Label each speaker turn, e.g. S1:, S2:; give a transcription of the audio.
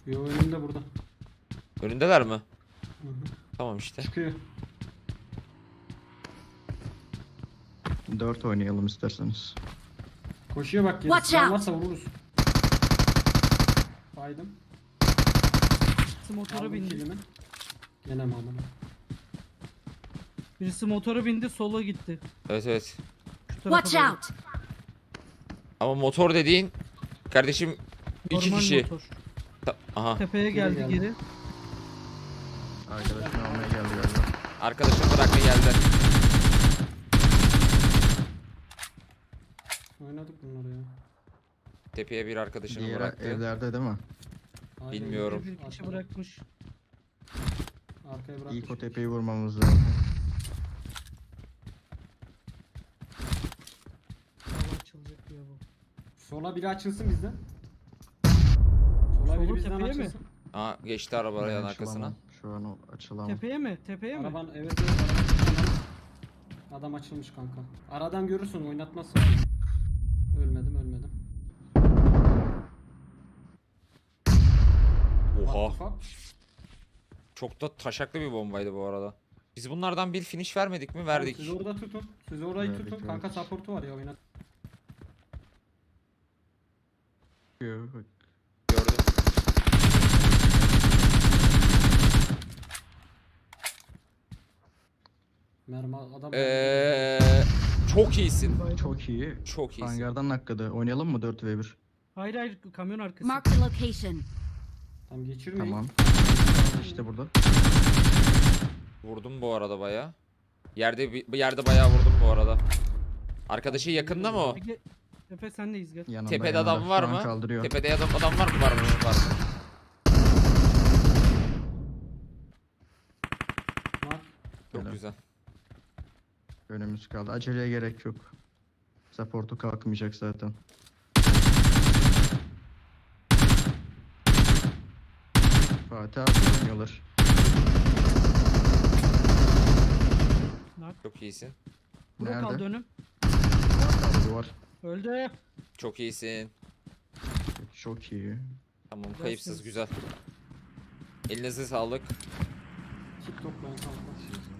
S1: Yo, önümde burada.
S2: Önündeler mi?
S1: Hı hı.
S2: Tamam işte.
S1: Çıkıyor.
S3: 4 oynayalım isterseniz.
S1: Koşuyor bak,
S4: Watch
S1: gerisi. Can
S4: out.
S1: varsa vururuz. Baydım.
S5: Motora
S1: Aldım
S5: bindi.
S1: kilimi. Gene mi amına?
S5: Birisi motora bindi, sola gitti.
S2: Evet evet.
S5: Şu tarafa
S4: Watch
S5: doğru.
S4: out!
S2: Ama motor dediğin kardeşim iki
S5: Normal
S2: kişi.
S5: motor.
S2: Aha.
S5: Tepeye geldi
S1: geldi.
S5: geri.
S3: Arkadaşını almaya geldi galiba.
S2: Arkadaşım bırakma geldi.
S1: Oynadık bunları ya.
S2: Tepeye bir arkadaşını
S3: Diğer
S2: bıraktı.
S3: evlerde değil mi?
S1: Aynen.
S2: Bilmiyorum.
S5: Bir kişi
S1: Arkaya-
S5: bırakmış.
S1: Arkaya bırakmış.
S3: İlk o tepeyi vurmamız lazım.
S5: Hava açılacak diyor bu.
S1: Sola biri açılsın bizden. Sola
S5: Solu
S1: biri bizden
S5: tepeye mi?
S1: açılsın.
S2: Aa geçti arabanın
S3: Ben
S2: arkasına.
S3: açılamam. Şu an o açılamam.
S5: Tepeye mi? Tepeye mi?
S1: Araban evet evet. Adam açılmış kanka. Aradan görürsün, oynatmazsın. Ölmedim.
S2: Oha.
S1: What the fuck?
S2: Çok da taşaklı bir bombaydı bu arada. Biz bunlardan bir finish vermedik mi? Verdik.
S1: Siz orada tutun. Siz orayı
S3: Verdik,
S1: tutun. Kanka
S3: verdik.
S1: support'u var ya, oynat.
S3: Yok.
S2: Gördüm.
S1: Mermi adam.
S2: Çok iyisin.
S3: Çok iyi.
S2: Çok iyisin.
S3: Hangardan nakkadı. Oynayalım mı 4v1?
S5: Hayır hayır, kamyon arkası.
S4: Mark the location.
S1: Tam geçirmeyin.
S3: Tamam. İşte burada.
S2: Vurdum bu arada baya. Yerde bayağı vurdum bu arada. Arkadaşı yakında mı o?
S5: Ege, Efe sendeyiz gel.
S3: Yanında,
S2: Tepede
S3: yanında.
S2: adam var
S3: Şu an
S2: mı?
S3: Kaldırıyor.
S2: Tepede adam var mı? Var mı? Var mı?
S1: Mark.
S2: Çok
S3: Helal.
S2: güzel.
S3: Önümüz kaldı. Aceleye gerek yok. Support'u kalkmayacak zaten. Fatih abi oynuyorlar.
S2: Çok iyisin.
S5: Bura
S3: Nerede?
S5: kaldı önüm.
S3: Kaldı duvar.
S5: Öldü.
S2: Çok iyisin.
S3: Çok iyi.
S2: Tamam,
S5: Güzelsiniz.
S2: kayıpsız güzel. Elinize sağlık.
S1: Kit toplayın kanka.